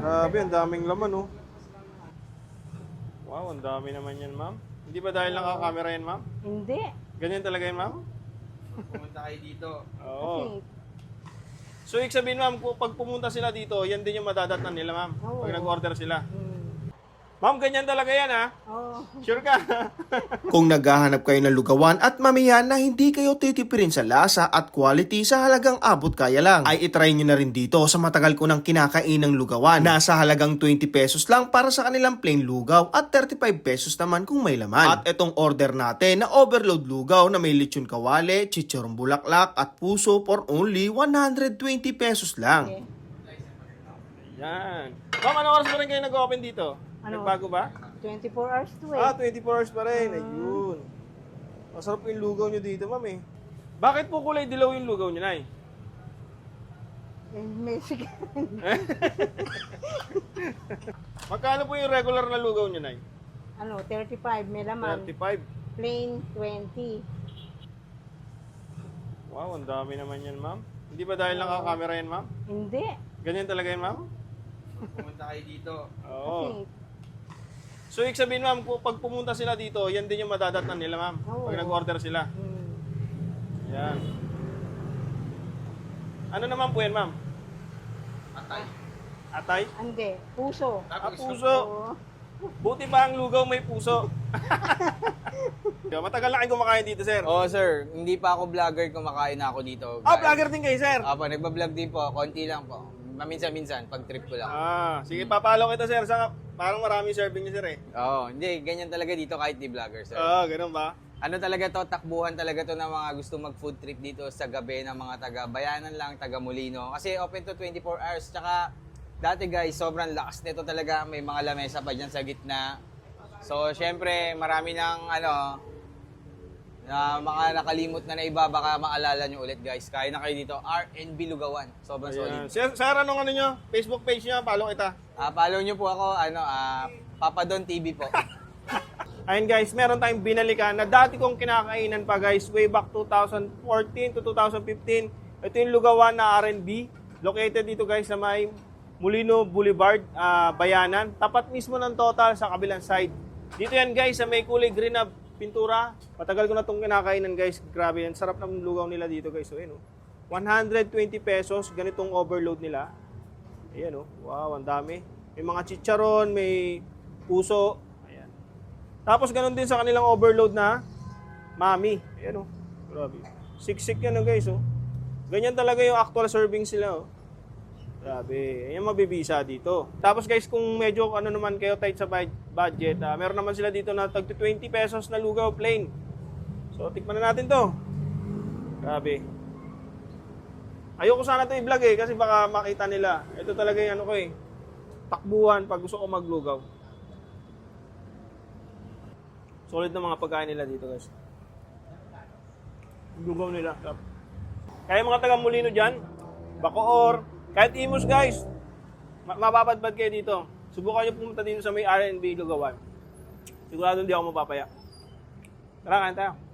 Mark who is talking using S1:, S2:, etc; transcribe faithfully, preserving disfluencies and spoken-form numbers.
S1: Grabe, ang daming laman, oh. Wow, ang dami naman yan, ma'am. Hindi ba dahil naka-camera yan, ma'am?
S2: Hindi.
S1: Ganyan talaga yan, ma'am?
S3: Pumunta kayo dito.
S1: Oo.
S2: Kasi,
S1: So, ibig sabihin, ma'am, kung pag pumunta sila dito, yan din yung madadatnan nila, ma'am.
S2: Oo.
S1: Pag nag-order sila.
S2: hmm,
S1: Ma'am, ganyan talaga yan, ha?
S2: oh,
S1: Sure ka?
S4: Kung naghahanap kayo ng lugawan at mamihan na hindi kayo titipirin sa lasa at quality sa halagang abot kaya lang, ay itry nyo na rin dito sa matagal ko nang kinakain ng lugawan. Nasa halagang twenty pesos lang para sa kanilang plain lugaw at thirty-five pesos naman kung may laman. At itong order natin na overload lugaw na may lechon kawale, chichorong bulaklak at puso for only one hundred twenty pesos lang.
S2: okay.
S1: Yan. Ma'am, ano oras pa rin kayo nag-open dito?
S2: Ano?
S1: Nagbago ba?
S2: twenty-four hours to eh.
S1: Ah, twenty-four hours pa rin. Ayun. Masarap yung lugaw nyo dito, ma'am eh. Bakit po kulay dilaw yung lugaw nyo, Nay?
S2: Eh, Mexican.
S1: Magkano po yung regular na lugaw nyo, Nay?
S2: ano, thirty-five, may laman.
S1: thirty-five.
S2: Plain, twenty.
S1: Wow, ang dami naman yan, ma'am. Hindi ba dahil naka-camera yan, ma'am?
S2: Hindi.
S1: Ganyan talaga yan, ma'am?
S3: Pumunta kayo dito.
S1: Oo.
S2: Kasi,
S1: So, ibig sabihin, ma'am, kung pag pumunta sila dito, yan din yung madadatnan nila, ma'am.
S2: Oo.
S1: Pag nag-order sila.
S2: hmm,
S1: Yan. Ano naman po yan, ma'am?
S3: Atay.
S1: Atay?
S2: hindi. Puso.
S1: Ah,
S3: Tapos
S1: puso.
S2: Oo.
S1: Buti ba ang lugaw may puso? Matagal na kayo kumakain dito, sir.
S3: Oo, sir. Hindi pa ako vlogger, kumakain na ako dito.
S1: Ah, vlogger din kayo, sir.
S3: Apo, nagbablog din po. Konti lang po. Maminsan-minsan, pag trip ko lang.
S1: Ah, sige, papalo kita, sir. Sa, parang maraming serving niyo, sir, eh.
S3: Oo, hindi. Ganyan talaga dito kahit di vlogger, sir.
S1: Ah, ganun ba?
S3: Ano talaga to, takbuhan talaga to ng mga gusto mag-food trip dito sa gabi ng mga taga Bayanan lang, taga Molino. Kasi open to twenty-four hours. Tsaka dati guys, sobrang lakas nito talaga. May mga lamesa pa dyan sa gitna. So, syempre, marami ng ano, na mga nakalimot na na iba, baka maalala nyo ulit guys. Kaya na kayo dito, R and B Lugawan. Sobrang
S1: Ayan.
S3: solid.
S1: Sir, sir, anong ano nyo? Facebook page nyo, follow kita.
S3: Ah, follow nyo po ako, ano, ah, Papadon T V po.
S1: Ayun guys, meron tayong binalikan na dati kong kinakainan pa guys, way back two thousand fourteen to two thousand fifteen. Ito yung lugawan na R and B. Located dito guys sa may Molino Boulevard, ah, Bayanan. Tapat mismo ng Total sa kabilang side. Dito yan guys, sa may kulay green na pintura. Matagal ko na itong kinakainan guys. Grabe yan. Sarap ng lugaw nila dito guys. So, yun, oh. one hundred twenty pesos. Ganitong overload nila. Ayan, oh. Wow, ang dami. May mga chicharon, may puso. Ayan. Tapos ganun din sa kanilang overload na mami. Ayan, oh. Grabe. Siksik yan, oh, guys, oh. Ganyan talaga yung actual serving sila, oh. Grabe. Ayan, mabibisa dito. Tapos guys, kung medyo ano naman kayo tight sa budget, uh, meron naman sila dito na tag twenty pesos na lugaw plain. So, tikman na natin to. Grabe. Ayoko sana to i-vlog eh, kasi baka makita nila. Ito talaga yung ano ko eh. Takbuhan pag gusto ko maglugaw. Solid na mga pagkain nila dito guys. Lugaw nila. Kaya mga taga Molino dyan, Bacoor, kahit Imus guys, mapapadbad kayo dito. Subukan nyo pumunta dito sa may R and B lugawan. Sigurado hindi ako mapapaya. Tara, kain tayo.